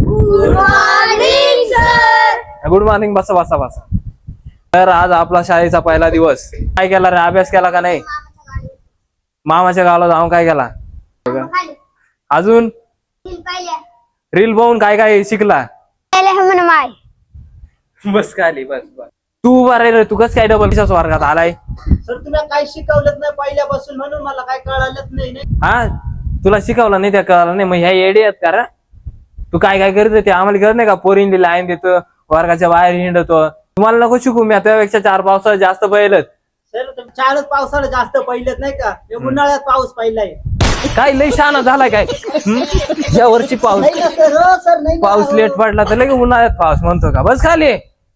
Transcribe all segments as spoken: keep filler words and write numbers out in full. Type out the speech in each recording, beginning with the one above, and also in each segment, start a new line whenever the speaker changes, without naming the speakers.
Good morning sir.
Good morning. बसा बसा बसा. तर आज आपला शाळेचा पहिला दिवस. काय केला रे? अभ्यास केला का नाही? मामाच्या गावाला जाऊन काय केला? अजून रील पाहून काय काय शिकला? बस खाली बस बस. तू बरे रे, तू कस काय डबल वर्गात आलाय?
सर तुला काय शिकवलंच नाही पहिल्यापासून म्हणून मला काय कळालंच नाही.
हा, तुला शिकवलं नाही त्या कळालं नाही. मग ह्या येडे आहेत का रे? तू काय काय करत ते आम्हाला करत नाही का? पोरींनी लाईन देतो, वर्गाच्या बाहेर हिंडतो. तुम्हाला नको शिकू, मी त्यापेक्षा चार पावसाळा जास्त पहिलंच.
सर चारच पावसाला जास्त पहिलेच नाही का? उन्हाळ्यात पाऊस पहिलाय.
काय लय शहाणा झालाय काय? या वर्षी पाऊस
नाही ना सर, हो सर, नाही ना,
पाऊस
हो.
लेट पडला तर लगे उन्हाळ्यात पाऊस म्हणतो का? बस खाली.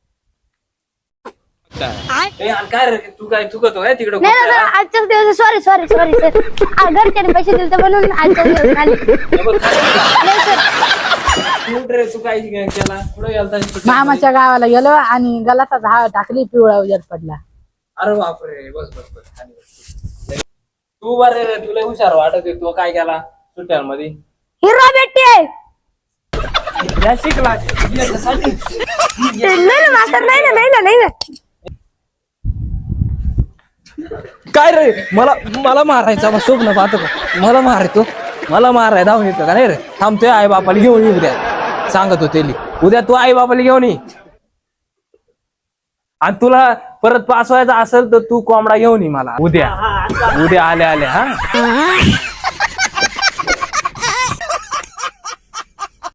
ए, आणि काय रे तू काय चुकतो काय तिकडे?
नाही ना सर, आजच्याच दिवस. Sorry sorry sorry sir. घरच्याने पैसे दिले म्हणून आजच्या दिवस आले. नाही सर.
तू काय केला? पुढे गेलता?
मामाच्या गावाला गेलो आणि गलाचा झाड टाकली, पिवळा उजेड पडला.
अरे बापरे. बस बस बस खाली बस. तू बरे रे, तुला हुशार वाटत आहे. तू काय केला सुट्ट्यांमध्ये?
हिरो भेटते.
या शिकला याच्यासाठी.
नाही ना मास्तर, नाही ना नाही ना नाही ना.
काय रे? मला मला मारायचा मग स्वप्न पाहतो का? मला मारायचो, मला माराय धावून येतो का? नाही रे, थांबतोय. आई बापाला घेऊन ये उद्या, सांगतो तेली. उद्या तू आई बापाला घेऊन ये. आणि तुला परत पास व्हायचा असेल तर तू कोंबडा घेऊन ये मला उद्या. उद्या आले आले. हा